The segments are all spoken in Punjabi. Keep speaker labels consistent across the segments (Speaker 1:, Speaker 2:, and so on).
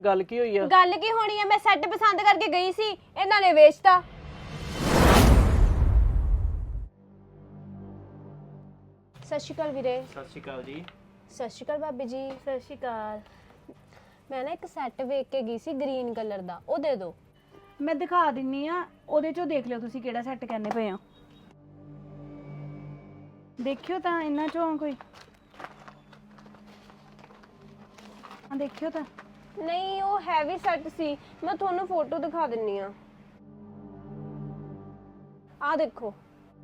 Speaker 1: ਗੱਲ ਕੀ ਹੋਈ ਆ?
Speaker 2: ਗੱਲ ਕੀ ਹੋਣੀ ਆ, ਮੈਂ ਸੈੱਟ ਪਸੰਦ ਕਰਕੇ ਗਈ ਸੀ, ਇਹਨਾਂ ਨੇ ਵੇਚਤਾ। ਸਤਿ ਸ਼੍ਰੀ ਅਕਾਲ ਵੀਰੇ।
Speaker 1: ਸਤਿ ਸ਼੍ਰੀ ਅਕਾਲ ਜੀ।
Speaker 2: ਸਤਿ ਸ਼੍ਰੀ ਅਕਾਲ ਭਾਬੀ ਜੀ। ਸਤਿ ਸ਼੍ਰੀ ਅਕਾਲ। ਮੈਂ ਨਾ ਇੱਕ ਸੈੱਟ ਵੇਖ ਕੇ ਗਈ ਸੀ ਗ੍ਰੀਨ ਕਲਰ ਦਾ, ਉਹ ਦੇ ਦਿਓ।
Speaker 3: ਮੈਂ ਦਿਖਾ ਦਿੰਨੀ ਆ, ਉਹਦੇ ਚੋਂ ਦੇਖ ਲਿਓ ਤੁਸੀਂ ਕਿਹੜਾ ਸੈੱਟ ਕਹਿੰਦੇ ਪਏ ਆ। ਦੇਖਿਓ ਤਾਂ ਇਹਨਾਂ ਚੋਂ ਕੋਈ ਦੇਖਿਓ ਤਾਂ।
Speaker 2: ਨਹੀਂ, ਉਹ ਹੈਵੀ ਸੈੱਟ ਸੀ, ਮੈਂ ਤੁਹਾਨੂੰ ਫੋਟੋ ਦਿਖਾ ਦਿੰਨੀ ਆ। ਆ ਦੇਖੋ।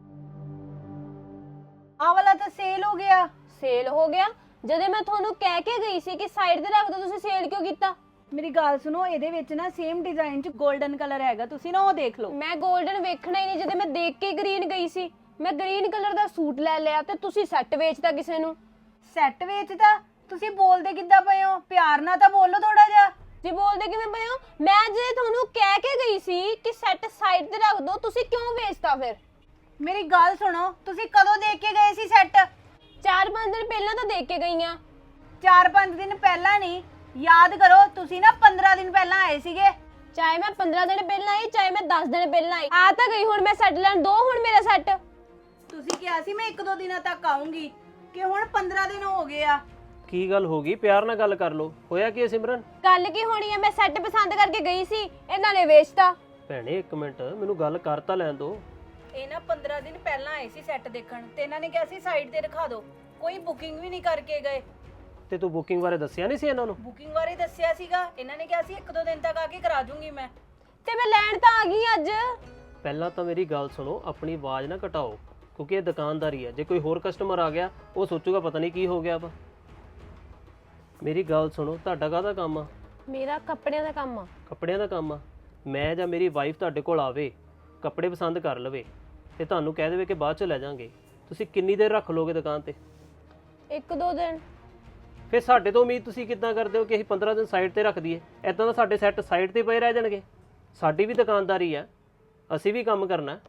Speaker 3: ਆਹ ਵਾਲਾ ਤਾਂ ਸੇਲ ਹੋ ਗਿਆ।
Speaker 2: ਸੇਲ ਹੋ ਗਿਆ? ਜਦੋਂ ਮੈਂ ਤੁਹਾਨੂੰ ਕਹਿ ਕੇ ਗਈ ਸੀ ਕਿ ਸਾਈਡ ਤੇ ਰੱਖ ਦਿਓ, ਤੁਸੀਂ ਸੇਲ ਕਿਉਂ ਕੀਤਾ?
Speaker 3: ਮੇਰੀ ਗੱਲ ਸੁਣੋ, ਇਹਦੇ ਵਿੱਚ ਨਾ ਸੇਮ ਡਿਜ਼ਾਈਨ ਚ 골ਡਨ ਕਲਰ ਹੈਗਾ, ਤੁਸੀਂ ਨਾ ਉਹ ਦੇਖ ਲਓ।
Speaker 2: ਮੈਂ 골ਡਨ ਵੇਖਣਾ ਹੀ ਨਹੀਂ, ਜਦੋਂ ਮੈਂ ਦੇਖ ਕੇ ਗ੍ਰੀਨ ਗਈ ਸੀ। ਮੈਂ ਗ੍ਰੀਨ ਕਲਰ ਦਾ ਸੂਟ ਲੈ ਲਿਆ ਤੇ ਤੁਸੀਂ ਸੈੱਟ ਵੇਚਦਾ ਕਿਸੇ ਨੂੰ।
Speaker 3: ਸੈੱਟ ਵੇਚਦਾ? ਤੁਸੀਂ ਬੋਲਦੇ ਕਿੱਦਾਂ ਪਏ ਹੋ? ਪਿਆਰ ਨਾਲ ਤਾਂ ਬੋਲੋ ਥੋੜਾ ਜਿਹਾ।
Speaker 2: ਜੀ ਬੋਲਦੇ ਕਿਵੇਂ ਪਏ ਹੋ? ਮੈਂ ਜੇ ਤੁਹਾਨੂੰ ਕਹਿ ਕੇ ਗਈ ਸੀ ਕਿ ਸੈੱਟ ਸਾਈਡ ਤੇ ਰੱਖ ਦਿਓ, ਤੁਸੀਂ ਕਿਉਂ ਵੇਚਤਾ ਫਿਰ?
Speaker 3: ਮੇਰੀ ਗੱਲ ਸੁਣੋ, ਤੁਸੀਂ ਕਦੋਂ ਦੇਖ ਕੇ ਗਏ ਸੀ ਸੈੱਟ?
Speaker 2: 4-5 ਦਿਨ ਪਹਿਲਾਂ ਤਾਂ ਦੇਖ ਕੇ ਗਈ ਆ।
Speaker 3: 4-5 ਦਿਨ ਪਹਿਲਾਂ ਨਹੀਂ, ਯਾਦ ਕਰੋ, ਤੁਸੀਂ ਨਾ 15 ਦਿਨ ਪਹਿਲਾਂ ਆਏ ਸੀਗੇ।
Speaker 2: ਚਾਹੇ ਮੈਂ 15 ਦਿਨ ਪਹਿਲਾਂ ਆਈ, ਚਾਹੇ ਮੈਂ 10 ਦਿਨ ਪਹਿਲਾਂ ਆਈ, ਆ ਤਾਂ ਗਈ। ਹੁਣ ਮੈਂ ਸੈੱਟ ਲੈਣ ਦੋ ਹੁਣ ਮੇਰਾ ਸੈੱਟ।
Speaker 3: ਤੁਸੀਂ ਕਿਹਾ ਸੀ ਮੈਂ 1-2 ਦਿਨਾਂ ਤੱਕ ਆਉਂਗੀ, ਕਿ ਹੁਣ 15 ਦਿਨ ਹੋ ਗਏ ਆ।
Speaker 1: ਕੀ ਗੱਲ ਹੋ ਗਈ? ਪਿਆਰ ਨਾਲ ਗੱਲ ਕਰ ਲੋ। ਹੋਇਆ ਕੀ ਹੈ ਸਿਮਰਨ?
Speaker 2: ਗੱਲ ਕੀ ਹੋਣੀ ਹੈ, ਮੈਂ ਸੈੱਟ ਪਸੰਦ ਕਰਕੇ ਗਈ ਸੀ, ਇਹਨਾਂ ਨੇ ਵੇਚਤਾ।
Speaker 1: ਭੈਣੇ ਇੱਕ ਮਿੰਟ, ਮੈਨੂੰ ਗੱਲ ਕਰ ਤਾਂ ਲੈਣ ਦੋ।
Speaker 3: ਇਹ ਨਾ 15 ਦਿਨ ਪਹਿਲਾਂ ਆਏ ਸੀ ਸੈੱਟ ਦੇਖਣ, ਤੇ ਇਹਨਾਂ ਨੇ ਕਿਹਾ ਸੀ ਸਾਈਡ ਤੇ ਰਖਾ ਦਿਓ, ਕੋਈ ਬੁਕਿੰਗ ਵੀ ਨਹੀਂ ਕਰਕੇ ਗਏ।
Speaker 1: ਤੇ ਤੂੰ ਬੁਕਿੰਗ ਬਾਰੇ ਦੱਸਿਆ ਨਹੀਂ ਸੀ ਇਹਨਾਂ ਨੂੰ?
Speaker 3: ਬੁਕਿੰਗ ਬਾਰੇ ਦੱਸਿਆ ਸੀਗਾ, ਇਹਨਾਂ ਨੇ ਕਿਹਾ ਸੀ 1-2 ਦਿਨ ਤੱਕ ਆ ਕੇ ਕਰਾ ਦੂੰਗੀ ਮੈਂ।
Speaker 2: ਤੇ ਮੈਂ ਲੈਣ ਤਾਂ ਆ ਗਈ ਅੱਜ।
Speaker 1: ਪਹਿਲਾਂ ਤਾਂ ਮੇਰੀ ਗੱਲ ਸੁਣੋ, ਆਪਣੀ ਆਵਾਜ਼ ਨਾ ਘਟਾਓ, ਕਿਉਂਕਿ ਇਹ ਦੁਕਾਨਦਾਰੀ ਹੈ। ਜੇ ਕੋਈ ਹੋਰ ਕਸਟਮਰ ਆ ਗਿਆ, ਉਹ ਸੋਚੂਗਾ ਪਤਾ ਨਹੀਂ ਕੀ ਹੋ ਗਿਆ ਵਾ। ਮੇਰੀ ਗੱਲ ਸੁਣੋ, ਤੁਹਾਡਾ ਕਾਹਦਾ ਕੰਮ ਆ?
Speaker 2: ਮੇਰਾ ਕੱਪੜਿਆਂ ਦਾ ਕੰਮ ਆ।
Speaker 1: ਕੱਪੜਿਆਂ ਦਾ ਕੰਮ ਆ? ਮੈਂ ਜਾਂ ਮੇਰੀ ਵਾਈਫ ਤੁਹਾਡੇ ਕੋਲ ਆਵੇ, ਕੱਪੜੇ ਪਸੰਦ ਕਰ ਲਵੇ ਤੇ ਤੁਹਾਨੂੰ ਕਹਿ ਦੇਵੇ ਕਿ ਬਾਅਦ ਚ ਲੈ ਜਾਾਂਗੇ, ਤੁਸੀਂ ਕਿੰਨੀ ਦੇਰ ਰੱਖ ਲੋਗੇ ਦੁਕਾਨ ਤੇ?
Speaker 2: 1-2 ਦਿਨ।
Speaker 1: ਫਿਰ ਸਾਡੇ ਤੋਂ ਉਮੀਦ ਤੁਸੀਂ ਕਿੱਦਾਂ ਕਰਦੇ ਹੋ ਕਿ ਅਸੀਂ 15 ਦਿਨ ਸਾਈਡ ਤੇ ਰੱਖ ਦਈਏ? ਐਦਾਂ ਤਾਂ ਸਾਡੇ ਸੈੱਟ ਸਾਈਡ ਤੇ ਪਏ ਰਹਿ ਜਾਣਗੇ। ਸਾਡੀ ਵੀ ਦੁਕਾਨਦਾਰੀ ਆ, ਅਸੀਂ ਵੀ ਕੰਮ ਕਰਨਾ।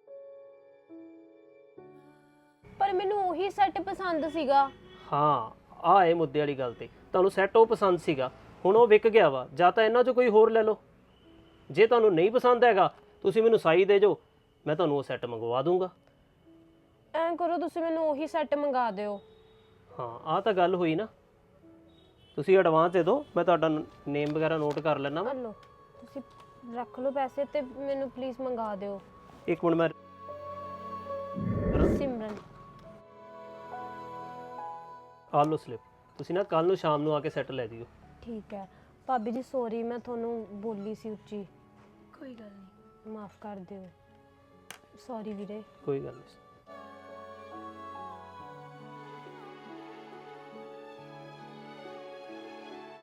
Speaker 2: ਪਰ ਮੈਨੂੰ ਉਹੀ ਸੈੱਟ ਪਸੰਦ ਸੀਗਾ।
Speaker 1: ਹਾਂ, ਆਹ ਇਹ ਮੁੱਦੇ ਵਾਲੀ ਗੱਲ ਤੇ ਤੁਹਾਨੂੰ ਸੈੱਟ ਉਹ ਪਸੰਦ ਸੀਗਾ, ਹੁਣ ਉਹ ਵਿਕ ਗਿਆ ਵਾ। ਜਾਂ ਤਾਂ ਇਹਨਾਂ 'ਚੋਂ ਕੋਈ ਹੋਰ ਲੈ ਲਓ। ਜੇ ਤੁਹਾਨੂੰ ਨਹੀਂ ਪਸੰਦ ਹੈਗਾ, ਤੁਸੀਂ ਮੈਨੂੰ ਸਾਈ ਦੇ ਜਾਓ, ਮੈਂ ਤੁਹਾਨੂੰ ਉਹ ਸੈੱਟ ਮੰਗਵਾ ਦੂੰਗਾ।
Speaker 2: ਐਂ ਕਰੋ, ਤੁਸੀਂ ਮੈਨੂੰ ਉਹੀ ਸੈੱਟ ਮੰਗਾ ਦਿਓ।
Speaker 1: ਹਾਂ, ਆਹ ਤਾਂ ਗੱਲ ਹੋਈ ਨਾ। ਤੁਸੀਂ ਐਡਵਾਂਸ ਦੇ ਦਿਓ, ਮੈਂ ਤੁਹਾਡਾ ਨੇਮ ਵਗੈਰਾ ਨੋਟ ਕਰ ਲੈਣਾ ਵਾ।
Speaker 2: ਲਓ, ਤੁਸੀਂ ਰੱਖ ਲਓ ਪੈਸੇ ਤੇ ਮੈਨੂੰ ਪਲੀਜ਼ ਮੰਗਾ ਦਿਓ।
Speaker 1: ਇੱਕ ਮਿੰਟ, ਮੈਂ
Speaker 2: ਸਿਮਰਨ।
Speaker 1: ਆਹ ਲਓ ਸਲਿੱਪ। ਤੁਸੀਂ ਨਾ ਕੱਲ ਨੂੰ ਸ਼ਾਮ ਨੂੰ ਆ ਕੇ ਸੈੱਟ ਲੈ ਜਿਓ।
Speaker 2: ਠੀਕ ਹੈ ਭਾਬੀ ਜੀ, ਸੌਰੀ, ਮੈਂ ਤੁਹਾਨੂੰ ਬੋਲੀ ਸੀ ਉੱਚੀ।
Speaker 3: ਕੋਈ ਗੱਲ ਨਹੀਂ।
Speaker 2: ਮਾਫ ਕਰ ਦਿਓ। ਸੌਰੀ ਵੀਰੇ।
Speaker 1: ਕੋਈ ਗੱਲ ਨਹੀਂ।